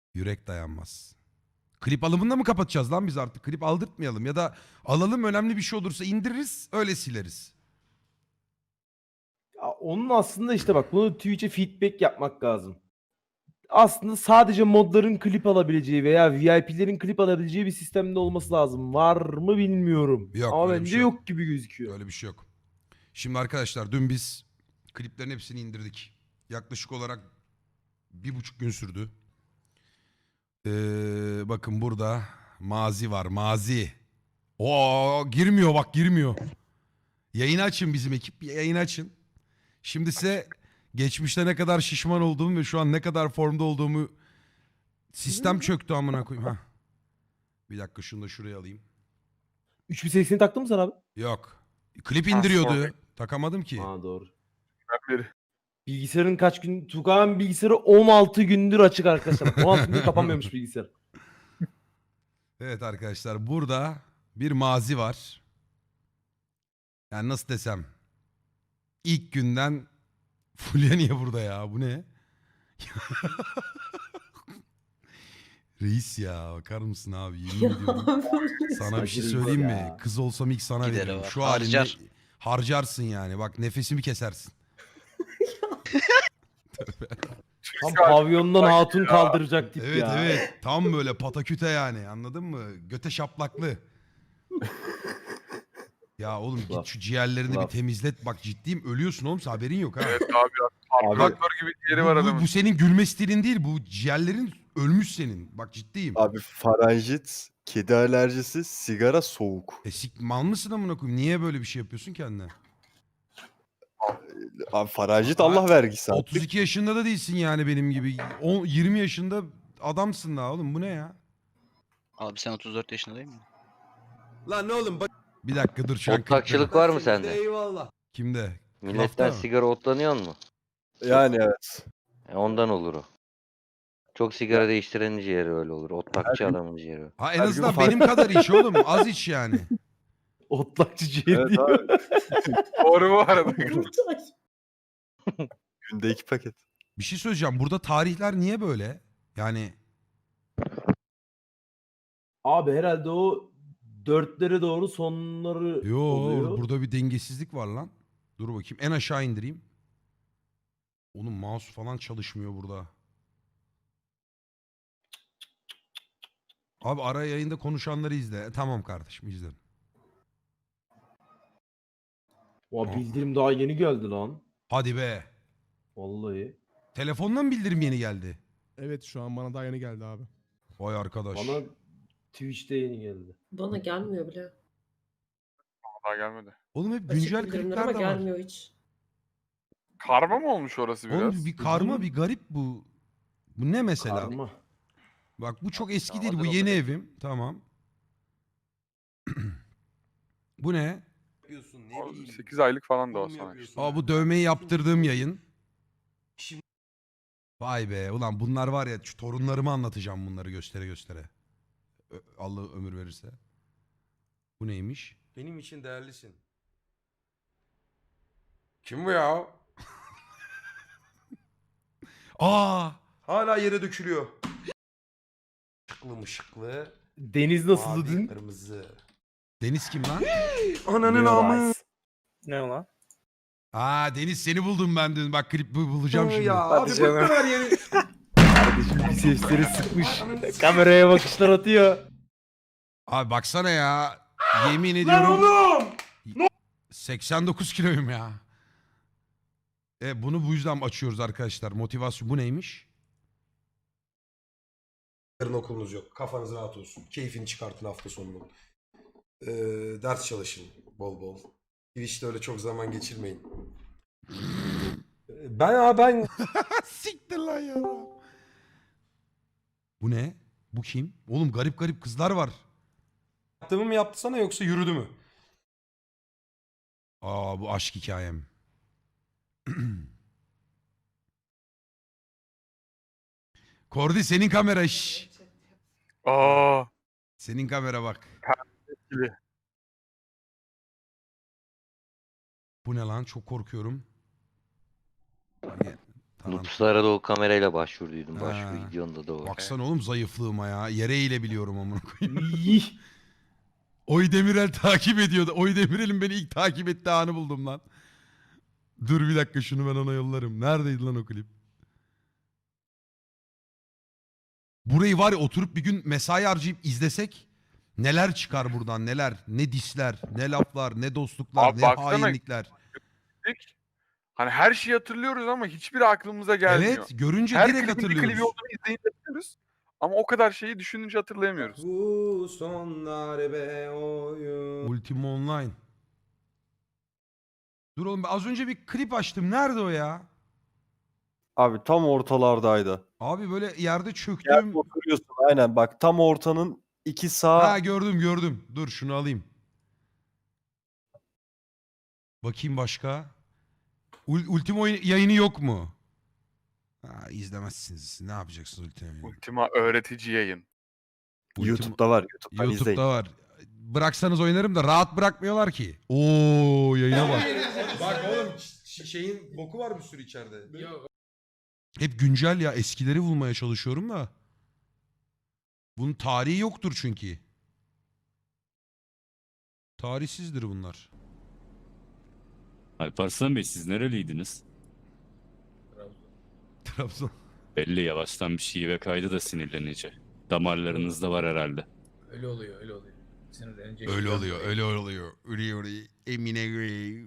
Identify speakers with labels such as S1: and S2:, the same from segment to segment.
S1: Yürek dayanmaz. Klip alımında mı kapatacağız lan biz artık? Klip aldırtmayalım ya da alalım, önemli bir şey olursa indiririz, öyle sileriz.
S2: Ya onun aslında işte bak bunu Twitch'e feedback yapmak lazım. Aslında sadece modların klip alabileceği veya VIP'lerin klip alabileceği bir sistemde olması lazım. Var mı bilmiyorum.
S1: Yok,
S2: Ama
S1: öyle bir
S2: bence
S1: şey yok.
S2: yok gibi gözüküyor.
S1: Öyle bir şey yok. Şimdi arkadaşlar dün biz kliplerin hepsini indirdik. Yaklaşık olarak 1,5 gün sürdü. Bakın burada mazi var, mazi. Oo, girmiyor bak, girmiyor. Yayını açın, bizim ekip yayını açın. Şimdi size geçmişte ne kadar şişman olduğumu ve şu an ne kadar formda olduğumu, sistem çöktü amına koyayım. Hah. Bir dakika şunu da şuraya alayım.
S2: 3080'i taktın mı sen abi?
S1: Yok. Klip
S3: Ha,
S1: indiriyordu.
S3: sorry.
S1: Takamadım ki.
S2: Ha doğru.
S3: Ben beri.
S2: Bilgisayarın kaç gün? Tukan bilgisayarı 16 gündür açık arkadaşlar. Bak, 16 gündür kapanmıyormuş bilgisayar.
S1: Evet arkadaşlar, burada bir mazi var. Yani nasıl desem. İlk günden Fulya niye burada ya? Bu ne? Reis ya, bakar mısın abi? Yemin ediyorum. Sana bir şey
S2: Saçma
S1: söyleyeyim mi?
S2: ya.
S1: Kız olsam ilk sana
S4: Gideri
S1: veririm.
S4: var.
S1: Şu
S4: Harcar.
S1: halinde harcarsın yani. Bak nefesimi kesersin.
S2: Tam pavyondan hatun kaldıracak tip
S1: Evet
S2: ya.
S1: evet. Tam böyle pataküte yani. Anladın mı? Göte şaplaklı. Ya oğlum git
S2: Laf.
S1: şu ciğerlerini bir
S2: Laf.
S1: temizlet. Bak ciddiyim, ölüyorsun oğlum, haberin yok ha.
S3: Evet abi ya. Traktör gibi yeri var adamın.
S1: Bu senin gülme stilin değil. Bu ciğerlerin ölmüş senin. Bak ciddiyim.
S5: Abi faranjit, kedi alerjisi, sigara, soğuk.
S1: Mal mısın amına koyayım? Niye böyle bir şey yapıyorsun kendine?
S5: Abi faranjit
S1: Aa,
S5: Allah vergisi abi.
S1: 32 yaşında da değilsin yani benim gibi. 20 yaşında adamsın daha oğlum. Bu ne ya?
S4: Abi sen 34 yaşında değil mi?
S6: Lan ne oğlum bak.
S1: Bir dakika dur şu an.
S7: Otlakçılık var mı sende?
S6: Eyvallah.
S1: Kimde?
S7: Milletten
S1: Lafta mı?
S7: sigara otlanıyor mu?
S5: Yani evet.
S7: Ondan olur o. Çok sigara değiştirenin ciğeri öyle olur. Otlakçı adamın ciğeri.
S1: Ha en
S5: Her gün
S1: azından
S5: farklı.
S1: benim kadar iç oğlum. Az iç yani.
S2: Otlakçı ciğer
S5: Evet
S2: diyor.
S5: abi.
S3: Doğru bu arada.
S5: Günde 2 paket.
S1: Bir şey söyleyeceğim. Burada tarihler niye böyle? Yani
S2: Abi herhalde o dörtlere doğru sonları
S1: yo,
S2: oluyor.
S1: burada bir dengesizlik var lan. Dur bakayım. En aşağı indireyim. Oğlum mouse falan çalışmıyor burada. Abi ara yayında konuşanları izle. Tamam kardeşim, izlerim.
S2: Oha, bildirim daha yeni geldi lan.
S1: Hadi be.
S2: Vallahi.
S1: Telefondan bildirim yeni geldi.
S8: Evet şu an bana daha yeni geldi abi.
S1: Vay arkadaş.
S2: Bana Twitch'te yeni geldi.
S9: Bana gelmiyor bile.
S3: Daha gelmedi.
S1: Oğlum hep
S9: Açık
S1: güncel
S9: bildirimler
S1: klipler
S9: ama
S1: de var.
S9: gelmiyor hiç.
S3: Karma mı olmuş orası biraz?
S1: Oğlum bir karma, bir garip bu. Bu ne mesela?
S2: Karma.
S1: Bak bu çok eski
S4: Ya,
S1: değil. Bu
S4: hazır
S1: yeni
S4: oldu.
S1: evim. Tamam. Bu ne?
S6: Yapıyorsun ne
S3: O
S6: bileyim.
S3: 8 aylık falan da o
S6: Oğlum
S3: sana.
S6: yapıyorsun.
S1: Aa, bu dövmeyi yaptırdığım yayın.
S6: Şimdi-
S1: Vay be. Ulan bunlar var ya, şu torunlarıma anlatacağım bunları göstere göstere. Allah ömür verirse. Bu neymiş?
S6: Benim için değerlisin. Kim bu ya?
S1: Aa!
S6: Hala yere dökülüyor. Işıklı mışıklı.
S2: Deniz nasıldı
S6: Mavi,
S2: dün?
S6: kırmızı.
S1: Deniz kim lan?
S6: Ananın
S2: Leo
S6: amı.
S2: Rice.
S3: Ne o lan?
S1: Aa, Deniz seni buldum ben dün. Bak klip bulacağım şimdi.
S6: Ya abi bıktım her yeri.
S2: Kardeşim bir sesleri sıkmış. Kameraya bakışlar atıyor.
S1: Abi baksana ya. Yemin
S6: Lan
S1: ediyorum.
S6: oğlum.
S1: 89 kiloyum ya. Bunu bu yüzden açıyoruz arkadaşlar. Motivasyon. Bu neymiş?
S6: Yarın okulunuz yok. Kafanız rahat olsun. Keyfini çıkartın hafta sonunu. Ders çalışın bol bol. Twitch'te öyle çok zaman geçirmeyin. Ben
S1: Siktir lan ya. Bu ne? Bu kim? Oğlum garip garip kızlar var.
S6: yaptığımı mı yaptı sana yoksa yürüdü mü?
S1: Aa, bu aşk hikayem. Kordi senin kamera şş.
S3: Aa.
S1: Senin kamera bak.
S3: Gibi.
S1: Bu ne lan? Çok korkuyorum.
S7: Nupslara da o kamerayla başvurduydum.
S1: Ha.
S7: Başvuru videonda da o.
S1: Baksana oğlum zayıflığıma ya. Yere eğilebiliyorum amına koyayım.
S2: İyi.
S1: Oy Demirel takip ediyordu. Oy Demirel'in beni ilk takip ettiği anı buldum lan. Dur bir dakika şunu ben ona yollarım. Neredeydi lan o klip? Burayı var ya oturup bir gün mesai harcayıp izlesek neler çıkar buradan neler. Ne disler, ne laflar, ne dostluklar,
S3: Abi
S1: ne
S3: baksana.
S1: hainlikler.
S3: Hani her şeyi hatırlıyoruz ama hiçbiri aklımıza gelmiyor.
S1: Evet görünce
S3: Her
S1: direkt
S3: klibin bir klibi
S1: hatırlıyoruz.
S3: olduğunu izleyince hatırlıyoruz. Ama o kadar şeyi düşününce hatırlayamıyoruz.
S6: Bu sonlar be oyun.
S1: Ultima Online. Dur oğlum ben az önce bir klip açtım. Nerede o ya?
S5: Abi tam ortalardaydı.
S1: Abi böyle yerde
S5: Yerde
S1: çöktüm.
S5: oturuyorsun aynen bak tam ortanın iki sağ
S1: Ha gördüm. Dur şunu alayım. Bakayım başka. Ultima yayını yok mu? Ha, izlemezsiniz. Ne yapacaksınız Ultima yayını?
S3: Ultima öğretici yayın.
S5: YouTube'da var. YouTube'dan
S1: YouTube'da
S5: izleyin.
S1: var. Bıraksanız oynarım da rahat bırakmıyorlar ki. Oo yayına bak.
S6: Bak oğlum şeyin boku var bir sürü içeride.
S1: Hep güncel ya. Eskileri bulmaya çalışıyorum da. Bunun tarihi yoktur çünkü. Tarihsizdir bunlar.
S9: Alparslan Bey siz nereliydiniz?
S1: Trabzon.
S9: Belli yavaştan bir şive kaydı da sinirlenici. Damarlarınızda var herhalde.
S10: Öyle oluyor, öyle oluyor. Sinirlenince
S1: Öyle oluyor. Öyle. Emine göre.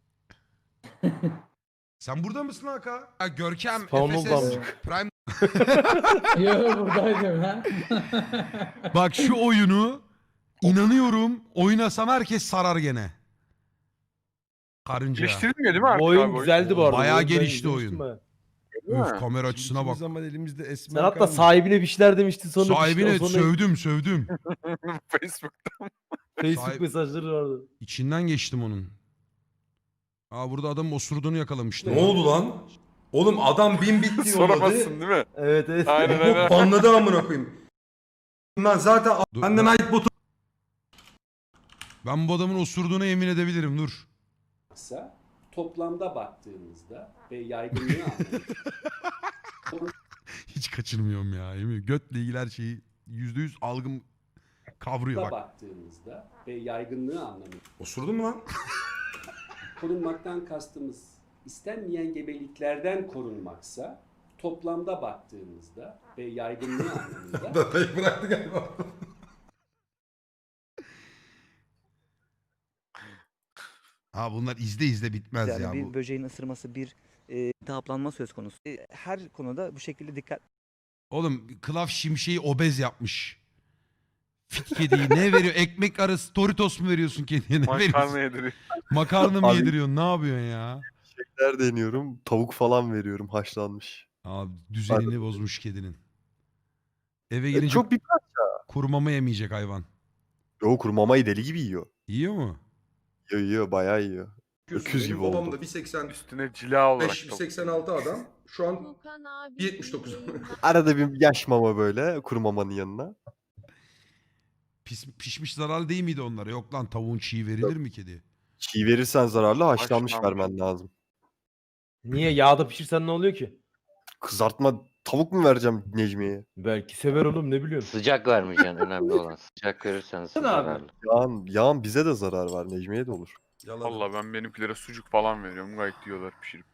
S1: Sen burada mısın Haka? Ha, Görkem,
S2: Spawn oldu
S1: FSS,
S2: amcık.
S1: Prime.
S10: Yok buradaydım ha.
S1: Bak şu oyunu inanıyorum oynasam herkes sarar gene. Karınca.
S3: Geliştirilmiyor değil mi artık
S2: Bu oyun
S3: abi?
S2: güzeldi bu arada.
S1: Bayağı
S2: Bu oyunu ben
S1: gelişti
S2: izlemiştim
S1: oyun.
S2: ha.
S3: Değil
S1: Öf
S3: mi?
S1: kamera açısına bak.
S8: zaman elimizde esmer
S2: Sen hatta
S8: kalmış.
S2: sahibine bir şeyler demiştin sonra
S1: Sahibine
S2: sonra
S1: sövdüm.
S3: Facebook.
S2: Facebook
S1: Sahip-
S2: mesajları vardı.
S1: İçinden geçtim onun. Aa burada adamın osurduğunu yakalamıştım.
S6: Ne oldu lan? Oğlum adam 1000 bit yolladı.
S3: Soramazsın değil mi?
S2: Evet evet.
S3: Aynen
S6: Bu
S3: aynen.
S6: banladı amına koyayım. Ben zaten
S1: Dur,
S6: benden ait botu
S1: Ben bu adamın osurduğuna yemin edebilirim dur.
S10: Toplamda baktığımızda ve yaygınlığı
S1: Hiç kaçırmıyorum ya. Yemin götle ilgili her şeyi %100 algım kavruyor bak.
S10: baktığımızda ve yaygınlığı anlamında
S6: osurdun mu lan?
S10: korunmaktan kastımız istenmeyen gebeliklerden korunmaksa toplamda baktığımızda ve yaygınlığı anlamında
S6: Datayı bıraktı galiba.
S1: Ha bunlar izle bitmez
S11: Yani
S1: ya
S11: bir
S1: bu.
S11: böceğin ısırması, bir iltihaplanma söz konusu. Her konuda bu şekilde dikkat
S1: Oğlum Klaf Şimşek'i obez yapmış. Fit kediyi ne veriyor? Ekmek arası Doritos mu veriyorsun kediye? Ne veriyorsun?
S3: Makarna yediriyor.
S1: Makarna mı
S5: Abi-
S1: yediriyorsun? Ne yapıyorsun ya?
S5: şeyler deniyorum. Tavuk falan veriyorum haşlanmış.
S1: Abi düzenini bozmuş kedinin. Eve gelince
S5: Çok bir
S1: kuru mama yemeyecek hayvan.
S5: Yo kuru mamayı deli gibi yiyor.
S1: Yiyor mu?
S5: Yiyor bayağı yiyor. Öküz gibi
S6: Benim babam
S5: oldu.
S6: da 1.85,
S3: Üstüne cila olarak.
S6: 1.86 adam. Şu an 1.79.
S5: Arada bir yaş mama böyle kuru mamanın yanına.
S1: Pişmiş zararlı değil miydi onlara? Yok lan tavuğun çiğ verilir mi kediye?
S5: Çiğ verirsen zararlı haşlanmış
S3: Haşlanmış.
S5: vermen lazım.
S2: Niye yağda pişirsen ne oluyor ki?
S5: Kızartma tavuk mu vereceğim Necmiye'ye?
S2: Belki sever oğlum ne biliyorsun.
S7: Sıcak vermeyeceksin önemli olan. Sıcak verirsen zararlı.
S5: Yağın bize de zarar var Necmiye'ye de olur.
S6: Yalan.
S3: Valla ben benimkilere sucuk falan veriyorum. Gayet yiyorlar pişirip.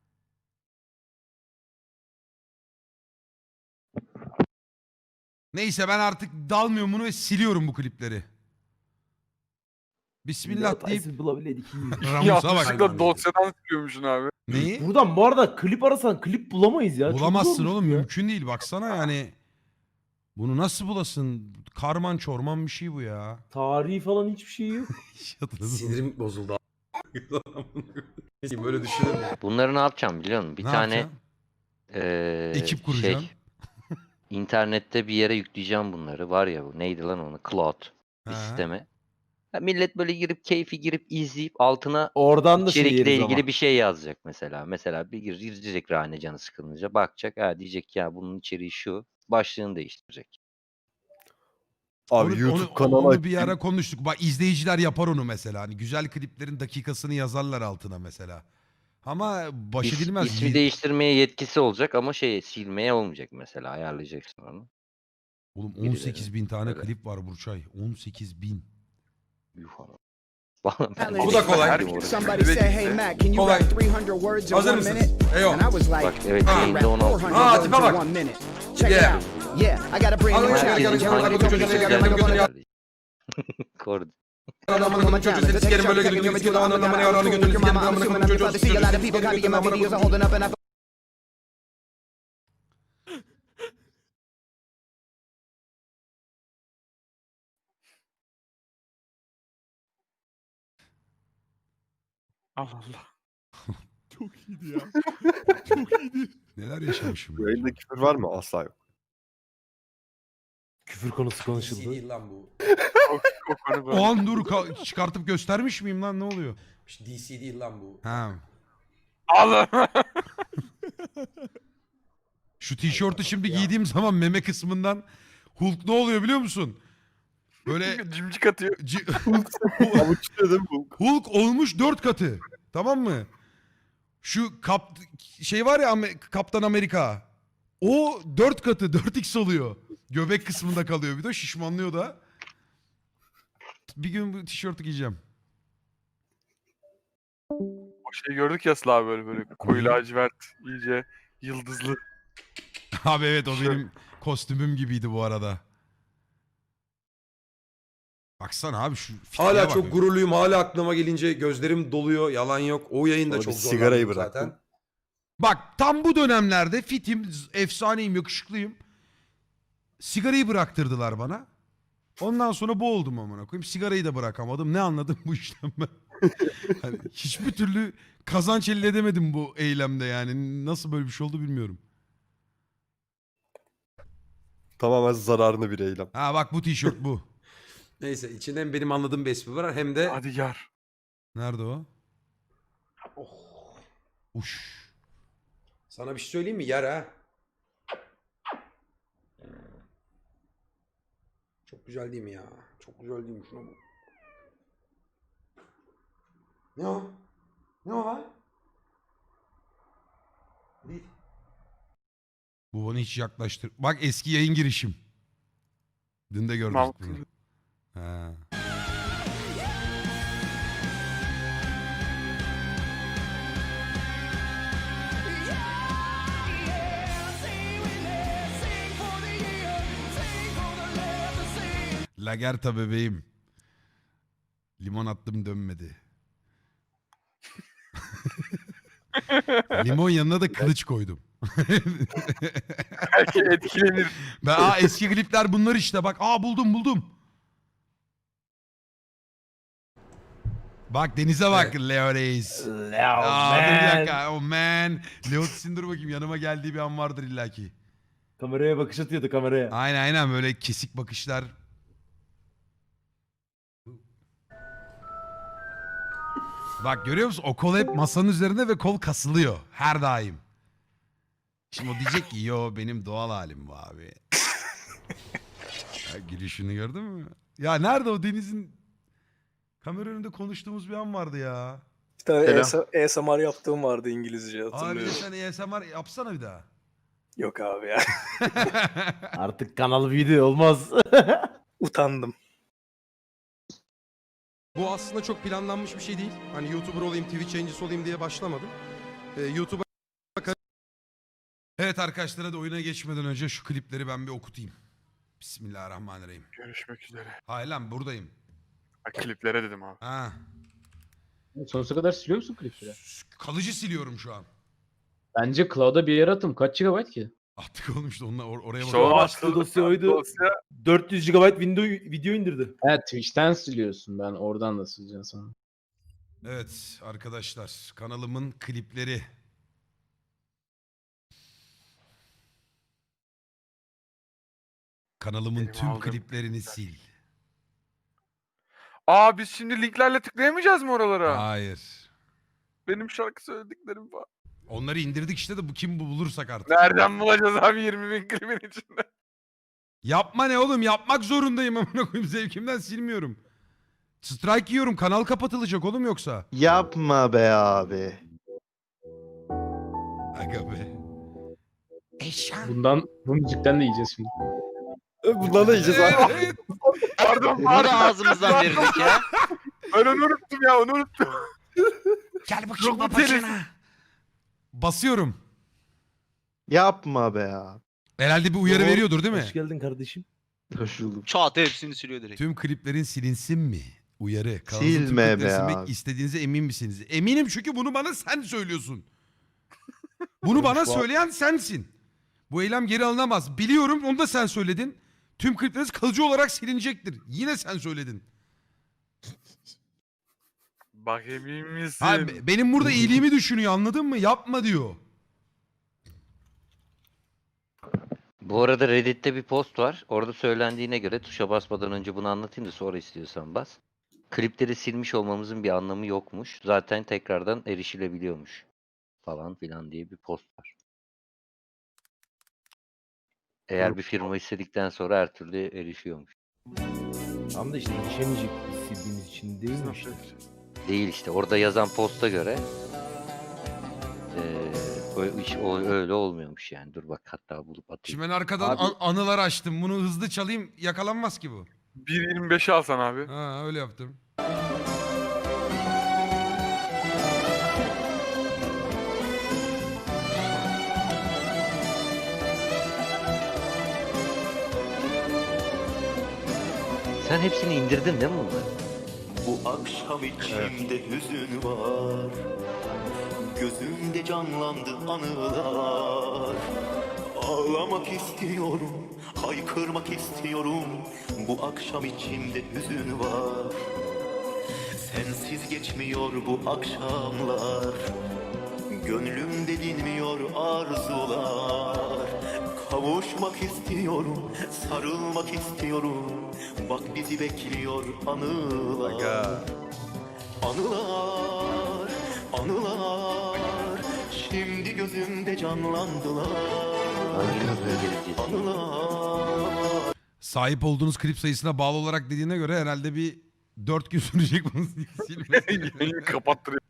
S1: Neyse ben artık dalmıyorum bunu ve siliyorum bu klipleri. Bismillah deyip
S2: Hataysiz bulabileydik.
S1: Ramus'a bak.
S3: Yanlışlıkla dosyadan siliyormuşsun abi.
S1: Neyi?
S2: Buradan bu arada klip arasan klip bulamayız ya. Çok
S1: Bulamazsın
S2: zormuş
S1: oğlum
S2: ya.
S1: mümkün değil baksana yani. Bunu nasıl bulasın? Karman çorman bir şey bu ya.
S2: Tarihi falan hiçbir şey yok.
S6: Sinirim bozuldu. Neyse, böyle düşünür mü?
S7: Bunları ne yapacağım biliyor musun? Bir
S1: Ne
S7: tane
S1: yapacaksın? Ekip kuracaksın.
S7: internette bir yere yükleyeceğim bunları. Var ya bu neydi lan onu? Cloud bir
S1: He.
S7: sisteme. Ya millet böyle girip keyfi girip izleyip altına
S2: Oradan da şey
S7: içerikle
S2: yeriz
S7: ilgili
S2: ama.
S7: bir şey yazacak mesela. Mesela bir girecek Rane canı sıkılınca bakacak. Ha diyecek ya bunun içeriği şu. Başlığını değiştirecek.
S5: Abi YouTube kanalı
S1: onu bir
S5: açayım.
S1: ara konuştuk. Bak izleyiciler yapar onu mesela. Hani güzel kliplerin dakikasını yazarlar altına mesela. Ama baş
S7: İs-
S1: edilmez.
S7: ismi değiştirmeye yetkisi olacak ama silmeye olmayacak mesela. Ayarlayacaksın onu.
S1: Oğlum
S7: birileri.
S1: 18 bin tane
S7: Öyle.
S1: klip var Burçay. 18 bin.
S7: Yuh ama.
S6: Bu da kolay.
S3: Herkes
S12: Somebody said, hey Mac, can you
S6: Kolay.
S12: rap 300 words in
S6: Hazır
S12: 1
S6: mısınız?
S12: minute?
S6: Eyo.
S12: And I was like,
S7: Bak evet
S6: Ha.
S12: I
S7: yayında
S12: rap
S7: 16.
S12: 400
S6: Ha,
S12: words
S6: tipe bak.
S12: in 1 minute. Check
S6: Yeah.
S12: it out. Yeah, I got a brand new
S6: Alın,
S12: challenge.
S6: gelin, gelin,
S12: Everybody
S6: gelin,
S12: gonna
S6: gelin,
S12: be
S6: gelin,
S12: like,
S6: gelin,
S12: I'm gonna
S6: gelin.
S7: Kord.
S6: Adamın çocuğu seni sikerim böyle götünü sikerim ananı yaranı götünü sikerim amına koyayım çocuğu
S12: see a lot of people copying my videos and holding up and I
S3: Allah Allah.
S8: Çok iyiydi ya. Çok iyiydi.
S1: Neler yaşamışım.
S5: Bu
S1: ya.
S5: yayında küfür var mı? Asla yok.
S2: Küfür konusu
S6: DC
S2: konuşuldu.
S6: değil lan bu.
S3: O konu böyle.
S1: O an dur çıkartıp göstermiş miyim lan ne oluyor?
S6: DC değil lan bu.
S1: Ha.
S3: Allah.
S1: Şu tişörtü şimdi
S6: Ya.
S1: giydiğim zaman meme kısmından Hulk ne oluyor biliyor musun? Böyle
S3: Cimcik atıyor.
S5: Avuçluyor değil mi bu?
S1: Hulk olmuş 4 katı. Tamam mı? Şu şey var ya Kaptan Amerika. O 4 katı 4x oluyor. Göbek kısmında kalıyor bir de şişmanlıyor da. Bir gün bu tişörtü giyeceğim.
S3: O şeyi gördük ya Sıla abi böyle koyu lacivert iyice yıldızlı.
S1: Abi evet o
S3: Tişört.
S1: benim kostümüm gibiydi bu arada. Baksana abi şu fitliğe
S6: Hala
S1: bak.
S6: çok gururluyum. Hala aklıma gelince gözlerim doluyor. Yalan yok. O yayında
S5: Sonra
S6: çok
S5: bir
S6: zorlandım
S5: sigarayı
S6: zaten.
S5: bıraktın.
S1: Bak tam bu dönemlerde fitim, efsaneyim, yakışıklıyım. Sigarayı bıraktırdılar bana. Ondan sonra bu oldum amına koyayım. Sigarayı da bırakamadım. Ne anladım bu işten ben? Hani hiçbir türlü kazanç elde edemedim bu eylemde yani. Nasıl böyle bir şey oldu bilmiyorum.
S5: Tamamen zararını bir eylem.
S1: Ha bak bu tişört bu.
S6: Neyse içinde hem benim anladığım bir espri var hem de...
S3: Hadi yar.
S1: Nerede o?
S6: Oh,
S1: Uş.
S6: sana bir şey söyleyeyim mi? Yer ha. Çok güzel değil mi ya? Çok güzel değil mi? Şuna bak. Ne o? Ne o lan? Değil.
S1: Bu bana hiç yaklaştır. Bak eski yayın girişim. Dün de gördük
S3: Mahmut.
S1: bunu. Ha. Lagerta bebeğim. Limon attım dönmedi. Limon yanına da kılıç koydum.
S3: Belki etkilenir.
S1: Eski klipler bunlar işte bak. Buldum. Bak denize bak Leo Reis.
S2: Leo
S1: Dur bir
S2: man.
S1: dakika. Oh man. Leo dur bakayım yanıma geldiği bir an vardır illaki.
S2: Kameraya bakış atıyordu kameraya.
S1: Aynen böyle kesik bakışlar. Bak görüyor musun? O kol hep masanın üzerinde ve kol kasılıyor. Her daim. Şimdi o diyecek ki yo benim doğal halim bu abi. Ya, gülüşünü gördün mü? Ya nerede o Deniz'in kamera önünde konuştuğumuz bir an vardı ya.
S12: Bir tane ASMR yaptığım vardı İngilizce
S1: Abi sen ASMR yapsana bir daha.
S12: Yok abi ya.
S2: Artık kanal video olmaz.
S12: Utandım.
S6: Bu aslında çok planlanmış bir şey değil. Hani YouTuber olayım, Twitch yayıncısı olayım diye başlamadım. YouTube'a...
S1: Evet arkadaşlar hadi oyuna geçmeden önce şu klipleri ben bir okutayım. Bismillahirrahmanirrahim.
S3: Görüşmek üzere.
S1: Hayır lan buradayım.
S3: Ha, kliplere dedim abi.
S1: Ha.
S13: Sonsuza kadar siliyor musun klipleri?
S1: Kalıcı siliyorum şu an.
S13: Bence cloud'a bir yere atım. Kaç GB ki?
S1: Attık oğlum işte onunla oraya
S3: İşte
S1: bakalım.
S3: o
S2: Açtığı dosya oydu. 400 GB video indirdi.
S13: Evet Twitch'ten siliyorsun. Ben oradan da sileceğim sana.
S1: Evet arkadaşlar kanalımın klipleri. Kanalımın
S3: Benim
S1: tüm
S3: aldığım
S1: kliplerini sil.
S3: Aa biz şimdi linklerle tıklayamayacağız mı oralara?
S1: Hayır.
S3: Benim şarkı söylediklerim var.
S1: Onları indirdik işte de bu kim bulursak artık.
S3: Nereden bulacağız abi 20.000 klibin içinde?
S1: Yapma ne oğlum yapmak zorundayım amına koyayım zevkimden silmiyorum. Strike yiyorum kanal kapatılacak oğlum yoksa.
S5: Yapma be abi.
S1: Aga be. Eşan.
S13: Bu müzikten de yiyeceğiz şimdi.
S5: Bundan da yiyeceğiz abi.
S1: Evet.
S3: Pardon
S4: Bunu da
S3: pardon.
S4: ağzımızdan verirdik ya.
S3: Ben onu unuttum ya onu unuttum.
S1: Gel bakayım
S3: Çok
S1: babacığına. Basıyorum.
S5: Yapma be ya.
S1: Herhalde bir uyarı
S2: Doğru.
S1: veriyordur değil mi?
S2: Hoş geldin kardeşim.
S5: Hoş bulduk.
S4: Çat hepsini siliyor direkt.
S1: Tüm kliplerin silinsin mi? Uyarı. Kanalınızın tüm
S5: Silme
S1: klipleri
S5: be
S1: silmek
S5: abi.
S1: istediğinize emin misiniz? Eminim çünkü bunu bana sen söylüyorsun. Bunu bana söyleyen sensin. Bu eylem geri alınamaz. Biliyorum, onu da sen söyledin. Tüm klipleriniz kalıcı olarak silinecektir. Yine sen söyledin.
S3: Bak emin misin?
S1: Ha, benim burada iyiliğimi düşünüyor, anladın mı? Yapma diyor.
S7: Bu arada Reddit'te bir post var. Orada söylendiğine göre tuşa basmadan önce bunu anlatayım da sonra istiyorsan bas. Klipleri silmiş olmamızın bir anlamı yokmuş. Zaten tekrardan erişilebiliyormuş. Falan filan diye bir post var. Eğer bir firma istedikten sonra her türlü erişiyormuş.
S2: Tam da işte yetişemeyecek sildiğimiz için değil mi işte?
S7: Değil işte. Orada yazan posta göre o öyle olmuyormuş yani. Dur bak hatta bulup atayım.
S1: Şimdi ben arkadan
S2: Abi-
S1: anılar açtım. Bunu hızlı çalayım, yakalanmaz ki bu.
S3: 1.25'i alsan abi.
S1: Ha, öyle yaptım.
S7: Sen hepsini indirdin değil mi bunları?
S12: Bu akşam içimde hüzün var. Gözümde canlandı anılar. Ağlamak istiyorum, haykırmak istiyorum. Bu akşam içimde hüzün var. Sensiz geçmiyor bu akşamlar. Gönlümde dinmiyor arzular. Kavuşmak istiyorum, sarılmak istiyorum. Bak bizi bekliyor anılar. Anılar, anılar. Şimdi gözümde canlandılar.
S7: Hanginiz geleceğiz?
S12: Anılar.
S1: Sahip olduğunuz klip sayısına bağlı olarak dediğine göre herhalde bir 4 gün sürecek bunu silmesi.
S3: Yayını kapattırıyor.